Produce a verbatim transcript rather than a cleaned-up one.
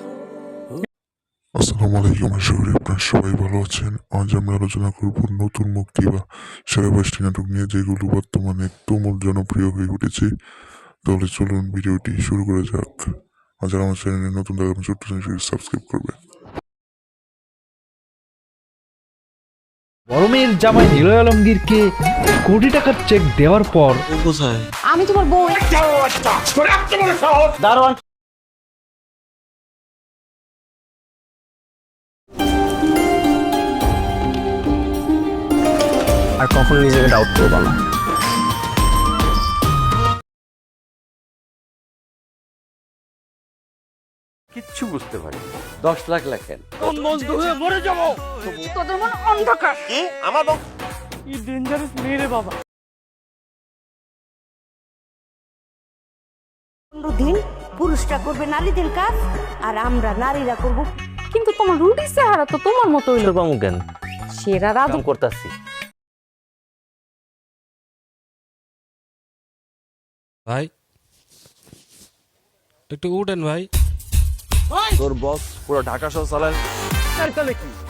আসসালামু আলাইকুম, আশা করি আপনারা সবাই ভালো আছেন। আজ আমরা আলোচনা করব নতুন মুক্তি বা সেরা পাঁচটি নাটক নিয়ে, যেগুলো বর্তমানে তুমুল জনপ্রিয় হয়ে উঠেছে। তাহলে চলুন ভিডিওটি শুরু করা যাক। আর যারা আমার চ্যানেলে নতুন থাকবেন, ছোট্ট চ্যানেলটি সাবস্ক্রাইব করবেন। গরমের জামাই নিলয় আলমগীরকে কোটি টাকার চেক দেওয়ার পর কোথায়? আমি তোমার বউ। দারোয়ান আর কখনো নিজেকে ডাউট করবো না। কিচ্ছু বুঝতে পারি দশ লাখ লেখেন। তোদের মন অন্ধকার। কি আমার ই ডেঞ্জারাস মেরে বাবা। পনেরো দিন পুরুষরা করবে নারীদের কাজ আর আমরা নারীরা করব। কিন্তু তোমার রুটি চেহারা তো তোমার মতো হইলো। বামু কেন সেরা রাধু করতেছি? ভাই একটু উঠেন ভাই। তোর বস পুরো ঢাকা শহর চালায়। তাহলে কি